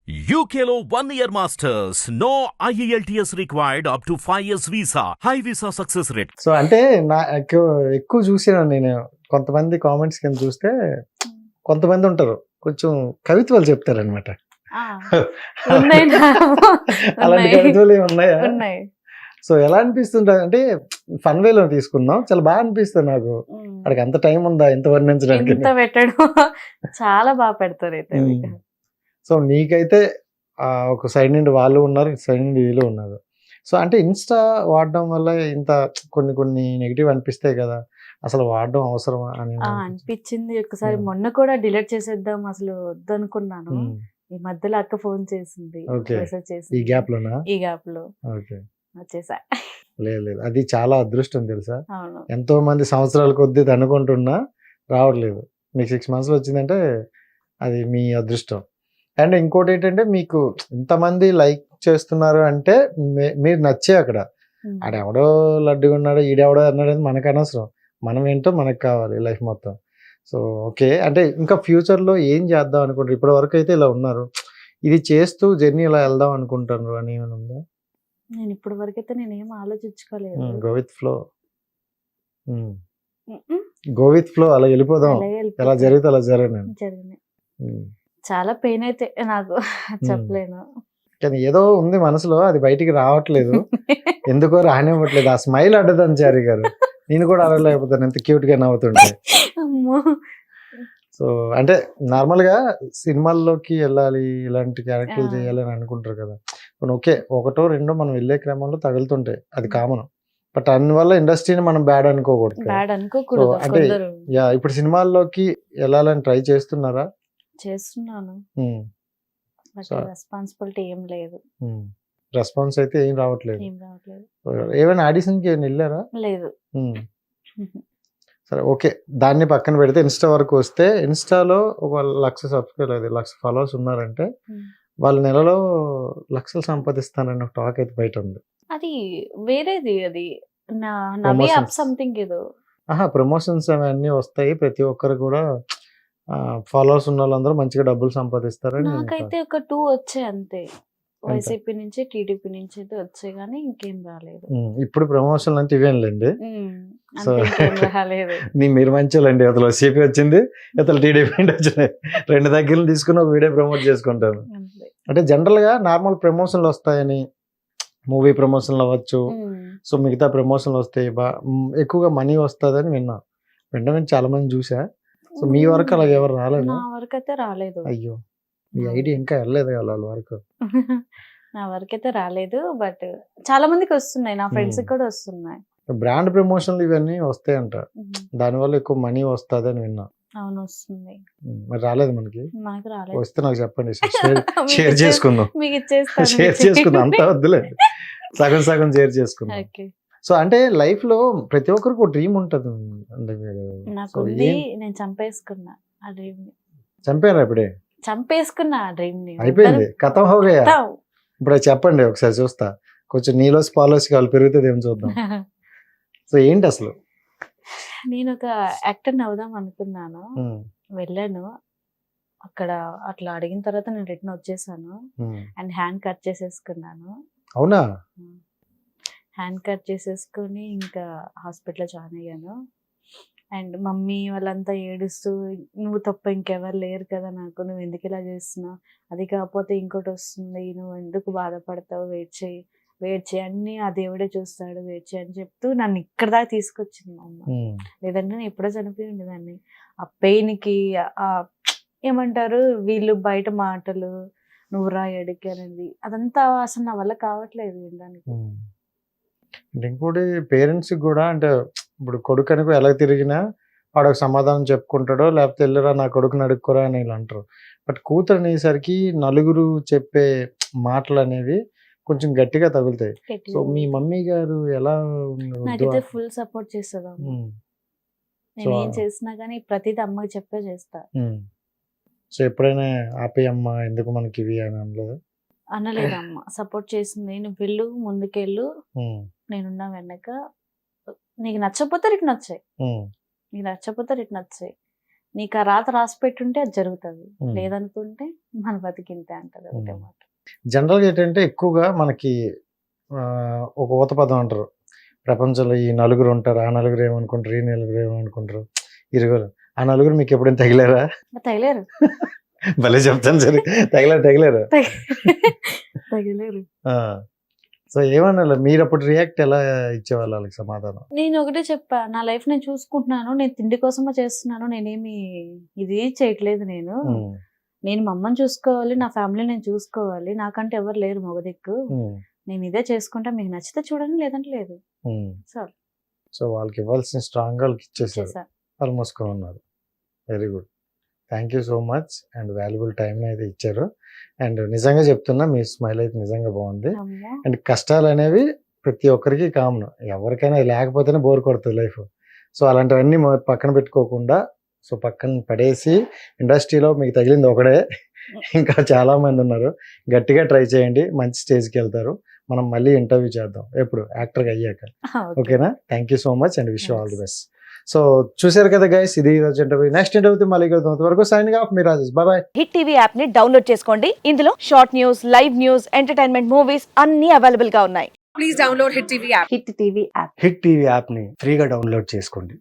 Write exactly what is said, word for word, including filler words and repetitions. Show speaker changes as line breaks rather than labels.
U K లో one year masters. No I E L T S required up to five years visa. High visa success rate.
So అంటే నా ఎక్కువ ఎక్కువ చూసాను నేను. కొంతమంది కామెంట్స్ కింద చూస్తే కొంతమంది ఉంటారు కొంచెం కవిత్వాలు చెప్తారనమాట.
ఆ, ఉన్నాయి నా-
అలాంటి
ఉన్నాయి.
కవిత్వాలు ఏమి ఉన్నాయా?
ఉన్నాయి.
సో ఎలా అనిపిస్తుంటా అంటే ఫన్ వేలో తీసుకుందాం, చాలా బాగా అనిపిస్తుంది నాకు.
ఉమ్.
అక్కడికి అంత టైం ఉందా ఇంత వర్ణించడానికి?
ఇంత పెట్టడం చాలా బాగా పెడతారు అయితే
ఉమ్.
మీకు.
సో నీకైతే ఆ, ఒక సైడ్ నుండి వాళ్ళు ఉన్నారు, ఇటు సైడ్ నుండి వీళ్ళు ఉన్నారు. సో అంటే ఇన్స్టా వాడడం వల్ల ఇంత కొన్ని కొన్ని నెగిటివ్ అనిపిస్తాయి కదా, అసలు వాడడం అవసరమా అని
ఆ, అనిపించింది ఒకసారి.
ఉమ్.
మొన్న కూడా డిలీట్ చేసేద్దాం అసలు వద్దనుకున్నాను.
ఉమ్.
ఈ మధ్యలో అక్క ఫోన్ చేసింది,
Okay.
మెసేజ్
ఈ
చేసింది.
గ్యాప్ లోనా?
ఈ గ్యాప్ లో
ఓకే.
వచ్చేసా.
లేదు లేదు, అది చాలా అదృష్టం తెలుసా.
అవును.
ఎంతో మంది సంవత్సరాల కొద్దీ ఇది అనుకుంటున్నా రావట్లేదు. మీకు సిక్స్ మంత్స్ లో వచ్చిందంటే అది మీ అదృష్టం. అండ్ ఇంకోటి ఏంటంటే మీకు ఇంతమంది లైక్ చేస్తున్నారు అంటే మీ- మీరు నచ్చే అక్కడ.
ఉమ్.
ఆడెవడో లడ్డుగా ఉన్నాడో ఈడెవడో అన్నాడు అని మనకు అనవసరం. మనం ఏంటో మనకు కావాలి లైఫ్ మొత్తం. సో ఓకే, అంటే ఇంకా ఫ్యూచర్లో ఏం చేద్దాం అనుకుంటారు? ఇప్పటి వరకు అయితే ఇలా ఉన్నారు, ఇది చేస్తూ జర్నీ ఇలా వెళ్దాం అనుకుంటున్నారు అని ఏమైనా ఉందా?
నేను ఇప్పటి వరకు అయితే నేనేం ఆలోచించుకోలేదు.
Go with flow,
um, um.
Go with flow, అలా వెళ్ళిపోదాం.
అలాగే
ఎలా
వెళ్ళిపోతుంది.
జరిగితే అలా జరగను.
జరిగినాయి. చాలా పెయిన్ అయితే నాకు చెప్పలేను.
కానీ ఏదో ఉంది మనసులో, అది బయటికి రావట్లేదు. ఎందుకో రానివ్వట్లేదు. ఆ స్మైల్ అడ్డదని చారి గారు, నేను కూడా అడగలేకపోతాను ఎంత క్యూట్ గా నవ్వుతుంటే.
అమ్మో.
సో అంటే నార్మల్ గా సినిమాల్లోకి వెళ్ళాలి, ఇలాంటి క్యారెక్టర్లు
ఆ.
చేయాలి అని అనుకుంటారు కదా. ఇప్పుడు ఓకే, ఒకటో రెండో మనం వెళ్ళే క్రమంలో తగులుతుంటాయి, అది కామన్. బట్ అందువల్ల ఇండస్ట్రీని మనం బ్యాడ్ అనుకోకూడదు కదా.
బ్యాడ్ అనుకోకూడదు.
So, అంటే
కొందరు
యా, ఇప్పుడు సినిమాల్లోకి వెళ్ళాలని ట్రై చేస్తున్నారా?
చేస్తున్నాను,
ఉమ్,
బట్
So-
రెస్పాన్సిబిలిటీ ఏం లేదు.
ఉమ్. రెస్పాన్స్ అయితే ఏం రావట్లేదు.
ఏం రావట్లేదు.
ఏమైనా ఆడిషన్కి ఏమైనా వెళ్ళారా?
లేదు.
ఉమ్. సరే ఓకే, దాన్ని పక్కన పెడితే ఇన్స్టా వరకు వస్తే, ఇన్స్టాలో ఒక లక్ష సబ్స్క్రైబర్ అది లక్ష ఫాలోవర్స్ ఉన్నారంటే
ఉమ్.
వాళ్ళ నెలలో లక్షలు సంపాదిస్తానని ఒక టాక్ అయితే బయట ఉంది.
అది వేరేది. అది నా నవీ
Promotions.
అప్ సంథింగ్ ఏదో.
ఆహా, ప్రమోషన్స్ అవన్నీ వస్తాయి, ప్రతి ఒక్కరు కూడా ఫాలోవర్స్ ఉన్న వాళ్ళందరూ మంచిగా డబ్బులు సంపాదిస్తారని నేను
నాకైతే ఒక టూ వచ్చాయి అంతే. వైసీపీ నుంచి టీడీపీ నుంచి అయితే వచ్చాయి కానీ ఇంకేం రాలేదు.
ఉమ్, ఇప్పుడు ప్రమోషన్లు అంటే ఇవేం లేండి.
ఉమ్,
సో
అంతే, ఇంకేం రాలేదు.
నీ మీరు మంచోళ్ళండి. అతను సిపి వచ్చింది, ఇతను టీడీపీ వచ్చినాయి, రెండు దగ్గర తీసుకుని ఒక వీడియో ప్రమోట్ చేసుకుంటాను.
అంతే.
అంటే జనరల్గా నార్మల్ ప్రమోషన్లు వస్తాయని, మూవీ ప్రమోషన్లు అవ్వచ్చు,
ఉమ్.
సో మిగతా ప్రమోషన్లు వస్తాయి, బా మ్, ఎక్కువగా మనీ వస్తుందని విన్నా. వెంటనే చాలా మంది చూసా. సో మీ వరకు అలాగ ఎవరు రాలేదు?
నా వరకు అయితే రాలేదు.
అయ్యో, మీ ఐడి ఇంకా వెళ్ళలేదు కదా వాళ్ళ వరకు.
నా వరకు అయితే రాలేదు, బట్ చాలా మందికి వస్తున్నాయి, నా ఫ్రెండ్స్
Hmm.
కూడా వస్తున్నాయి.
బ్రాండ్ ప్రమోషన్లు ఇవన్నీ వస్తాయంట,
ఉమ్,
దానివల్ల ఎక్కువ మనీ వస్తుంది అని విన్నా.
అవును వస్తుంది.
ఉమ్, మరి రాలేదు మనకి.
నాకు రాలేదు.
వస్తే నాకు చెప్పండి, షేర్
మీకు
షేర్
ఇచ్చే-
చేసుకుందాం.
మీకు ఇచ్చేస్తాను.
షేర్ చేసుకుందాం, అంతా వద్దులే, సగం సగం షేర్ చేసుకుందాం.
ఓకే.
సో అంటే లైఫ్ లో ప్రతి ఒక్కరికి ఒక డ్రీమ్ ఉంటుంది అంటే మీరు.
నాకు
సో
ఉంది,
ఏం
నేను చంపేసుకున్నా ఆ డ్రీమ్ ని.
చంపారా ఇప్పుడే?
చంపేసుకున్నా ఆ డ్రీమ్ ని.
అయిపోయింది, కథం హోగయా.
వద్దాం.
ఇప్పుడు అది చెప్పండి ఒకసారి చూస్తా, కొంచెం నీలోసి పాలోసి కావాలి పెరుగుతుంది ఏం చూద్దాం. సో ఏంటి అసలు?
నేను ఒక యాక్టర్ అవుదాం అనుకున్నాను.
ఉమ్,
వెళ్ళాను అక్కడ, అట్లా అడిగిన తర్వాత నేను రిటర్న్ వచ్చేసాను.
ఉమ్.
అండ్ హ్యాండ్ కట్ చేసేసుకున్నాను.
అవునా?
హ్యాండ్ కట్ చేసేసుకొని ఇంకా హాస్పిటల్లో జాయిన్ అయ్యాను. అండ్ మమ్మీ వాళ్ళంతా ఏడుస్తూ, నువ్వు తప్ప ఇంకెవరు లేరు కదా నాకు, నువ్వు ఎందుకు ఇలా చేస్తున్నావు, అది కాకపోతే ఇంకోటి వస్తుంది, నువ్వు ఎందుకు బాధపడతావు, వెయిట్ చేయి వెయిట్ చేయి, అన్నీ ఆ దేవుడే చూస్తాడు, వెయిట్ చేయి అని చెప్తూ నన్ను ఇక్కడ దాకా తీసుకొచ్చింది మా అమ్మ.
ఉమ్,
లేదంటే నేను ఎప్పుడో చనిపోయి ఉండేదాన్ని. ఆ పెయిన్కి, ఆ ఏమంటారు వీళ్ళు బయట మాటలు, నువ్వు రా ఎడికి అనేది, అదంతా అసలు నా వల్ల కావట్లేదు వినడానికి.
ఉమ్. అంటే ఇంకోటి పేరెంట్స్ కూడా, అంటే ఇప్పుడు కొడుకు అనుకో ఎలా తిరిగినా వాడు ఒక సమాధానం చెప్పుకుంటాడో, లేకపోతే వెళ్ళరా నా కొడుకుని అడుక్కోరా అని ఇలా అంటారు. బట్ కూతురు అనేసరికి నలుగురు చెప్పే మాటలు అనేవి కొంచెం గట్టిగా తగులుతాయి. సో మీ మమ్మీ గారు ఎలా ఉన్నారు?
నాకైతే ఫుల్ సపోర్ట్ చేస్తుంది అమ్మ.
ఉమ్,
నేను
So,
ఏం చేసినా కానీ ప్రతిదీ అమ్మకి చెప్పే చేస్తా.
ఉమ్. సో ఎప్పుడైనా ఆపేయమ్మా ఎందుకు మనకి ఇవి అని అనలేదు?
అనలేదు అమ్మ, సపోర్ట్ చేసింది. నువ్వు వెళ్ళు, ముందుకెళ్ళు,
ఉమ్,
నేనున్నా వెనక, నీకు నచ్చకపోతే రిటర్న్ వచ్చాయి,
ఉమ్,
నీకు నచ్చకపోతే రిటర్న్ వచ్చాయి, నీకు ఆ రాత రాసి పెట్టుంటే అది జరుగుతుంది,
ఉమ్.
లేదనుకుంటే మన బతికింతే అంటది ఒకటే
ఉమ్.
మాట.
జనరల్గా ఏంటంటే ఎక్కువగా మనకి ఆ, ఒక ఊత పదం అంటారు, ప్రపంచంలో ఈ నలుగురు ఉంటారు, ఆ నలుగురు ఏమనుకుంటారు, ఈ నలుగురు ఏమనుకుంటారు, ఇరుగురు. ఆ నలుగురు మీకు ఎప్పుడైనా తగిలారా?
మరి తగిలేరు
భలే చెప్తాను సరే, తగిలారు తగిలారు.
తగిలేరు.
సో ఏమన్నా మీరు అప్పుడు రియాక్ట్ ఎలా ఇచ్చేవాళ్ళు వాళ్ళకి సమాధానం?
నేను ఒకటే చెప్పా, నా లైఫ్ నేను చూసుకుంటున్నాను, నేను తిండి కోసమే చేస్తున్నాను, నేనేమి ఇది చేయట్లేదు. నేను
ఉమ్,
నేను మా అమ్మని చూసుకోవాలి, నా ఫ్యామిలీ నేను చూసుకోవాలి, నాకంటే ఎవరు లేరు మగ దిక్కు,
ఉమ్,
నేను ఇదే చేసుకుంటా, మీకు నచ్చితే చూడండి లేదంటే లేదు.
ఉమ్.
సార్
సో వాళ్ళకి ఇవ్వాల్సిన స్ట్రాంగ్ వాళ్ళకి ఇచ్చేసారు,
చేసా.
వాళ్ళు మూసుకొని ఉన్నారు. Very good, thank you so much and valuable time అయితే ఇచ్చారు. అండ్ నిజంగా చెప్తున్నా మీ స్మైల్ అయితే నిజంగా బాగుంది.
అమ్మో.
అండ్ కష్టాలు అనేవి ప్రతి ఒక్కరికి కామన్, ఎవరికైనా అది లేకపోతేనే బోర్ కొడుతుంది లైఫ్. సో అలాంటివన్నీ మొ- పక్కన పెట్టుకోకుండా, సో పక్కన పడేసి ఇండస్ట్రీలో మీకు తగిలింది ఒకడే, ఇంకా చాలా మంది ఉన్నారు, గట్టిగా ట్రై చేయండి, మంచి స్టేజ్కి వెళ్తారు. మనం మళ్ళీ ఇంటర్వ్యూ చేద్దాం ఎప్పుడు యాక్టర్గా అయ్యాక.
ఓకే.
ఓకేనా? Thank you so much and wish you all the
Thanks.
Best. So చూశారు కదా గైస్, ఇది ఈరోజు ఇంటర్వ్యూ. నెక్స్ట్ ఇంటర్వ్యూ మళ్ళీ కలుద్దాం. అంతవరకు సైనింగ్ ఆఫ్, మీ Rajesh. Bye bye.
Hit TV app ని డౌన్లోడ్ చేసుకోండి. ఇందులో short news, live news, entertainment movies అన్ని అవైలబుల్ గా ఉన్నాయి.
Please download Hit T V app.
Hit TV app.
Hit TV యాప్ని ఫ్రీగా డౌన్లోడ్ చేసుకోండి.